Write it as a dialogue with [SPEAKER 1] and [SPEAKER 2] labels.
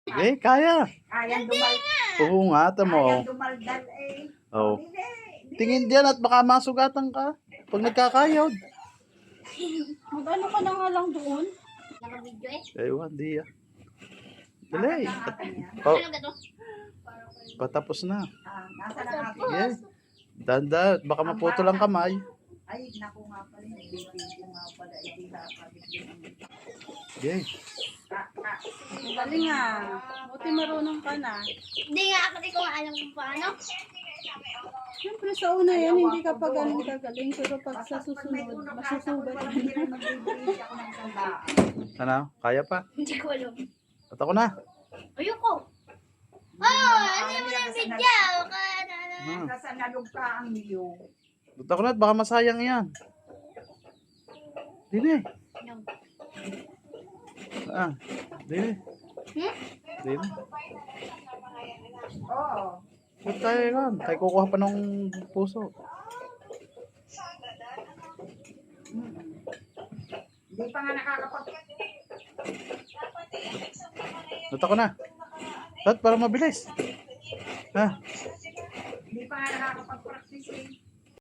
[SPEAKER 1] Sige, kaya.
[SPEAKER 2] Kayang dumaldal.
[SPEAKER 1] Oo nga, tamo.
[SPEAKER 2] Kayang dumaldal eh.
[SPEAKER 1] Oh.
[SPEAKER 2] Hindi.
[SPEAKER 1] Tingin diyan at baka masugatan ka. Pag nagkakayod.
[SPEAKER 3] Mag-ano ka na nga lang doon?
[SPEAKER 4] Naka-video eh.
[SPEAKER 1] Ewan, di ah. Dali.
[SPEAKER 2] Akin yan.
[SPEAKER 1] Oh,
[SPEAKER 4] Ano ba to?
[SPEAKER 1] patapos na.
[SPEAKER 2] Nasa lang akin.
[SPEAKER 1] Sige. Danda, baka maputo lang kamay.
[SPEAKER 2] Ay, naku nga pala. Nagbibigyo nga pala. Hindi nakakabit yun.
[SPEAKER 1] Sige.
[SPEAKER 3] Ang galing ah. Buti marunong ka na.
[SPEAKER 4] Hindi nga ako di ko nga alam kung paano.
[SPEAKER 3] Siyempre sa una yan, hindi ka pa galing kagaling. Pero pag sa susunod, masusugat ka na.
[SPEAKER 2] Magbibigyo ako ng sandaan.
[SPEAKER 1] Ano? Kaya pa?
[SPEAKER 4] Hindi ko alam.
[SPEAKER 1] At ako na.
[SPEAKER 4] Ayoko. Oh, ano mo ng video?
[SPEAKER 1] Hmm.
[SPEAKER 2] Nasa nalugka ang iyo.
[SPEAKER 1] At ako na at baka masayang yan. Dili.
[SPEAKER 4] No.
[SPEAKER 1] Ah, dili.
[SPEAKER 4] Hmm?
[SPEAKER 1] Dili.
[SPEAKER 2] Oo.
[SPEAKER 1] Ba't tayo yan? Tayo kukuha pa ng puso.
[SPEAKER 2] Hindi pa nga nakakapag...
[SPEAKER 1] At ako na. At para mabilis. Ha?
[SPEAKER 2] Hindi pa nga nakakapag-practice eh.